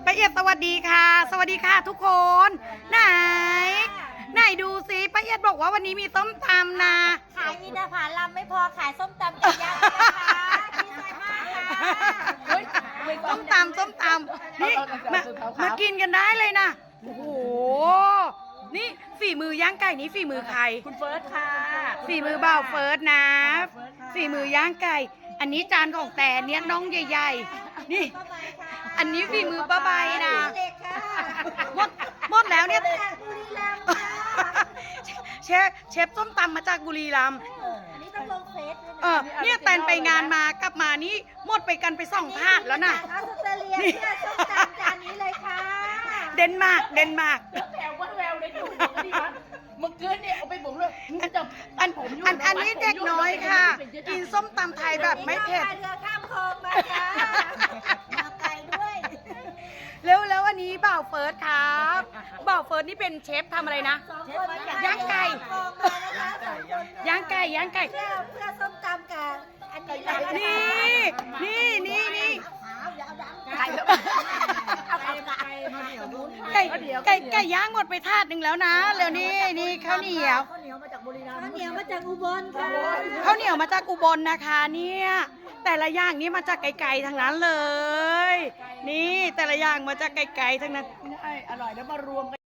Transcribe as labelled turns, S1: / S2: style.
S1: ป้าเอียดสวัสดีค่ะสวัสดีค่ะทุกคนไหนดูสิป้าเอียดบอกว่าวันนี้มีต้มตำนะ
S2: ขายอินทผลัมไม่พอขายส้มตำไก่ย่างนะคะดีใจมากค่ะ
S1: ส้มตำนี่มากินกันได้เลยนะโอ้โหนี่ฝีมือย่างไก่นี้ฝีมือใคร
S3: คุณเฟิร์สค่ะ
S1: ฝีมือบ่าวเฟิร์สนะฝีมือย่างไก่อันนี้จานของแต่เนี่ยน้องใหญ่ๆนี่อันนี้ฝีมือป้าใบนะหมดแล้วเนี่ยเชฟส้มตำมาจากบุรีรัมย์
S2: นี่ต้องลงเฟซ
S1: เนี่ยแตนไปงานมากลับมานี่หมดไปกันไป2 ถาดแล้วนะ
S2: ออสเตรเลียเพื่อส้มตำจานนี้เลยค่ะ
S1: เดนมาร์ก
S3: แววว่าแววเลยอยู่ดีวะเมื่อคืนเนี่ยเอาไปบุ๋มเลย
S1: อันนี้เด็กน้อยค่ะกินส้มตำไทยแบบไม่เผ็ด
S2: เรือข้ามคลองมาจ้ามาไกลด้วย
S1: แล้วอันนี้บ่าวเฟิร์สครับบ่าวเฟิร์สนี่เป็นเชฟทำอะไรนะย่างไก่ย่างไก่
S2: เพื่อส้มตำกับอันนี้
S1: นี่ไก่ย่างหมดไปถาดหนึ่งแล้วนะแล้วนี่ข้าวเหนียว
S2: มาจากบุรีรัมย์ข้าวเหนียวมาจากอุบลค่ะ
S1: ข้าวเหนียวมาจากอุบลนะคะเนี่ยแต่ละอย่างนี้มาจากไกลๆทั้งนั้นเลยนี่แต่ละอย่างมาจากไกลๆทั้งนั้น
S3: อร่อยแล้วมารวมกัน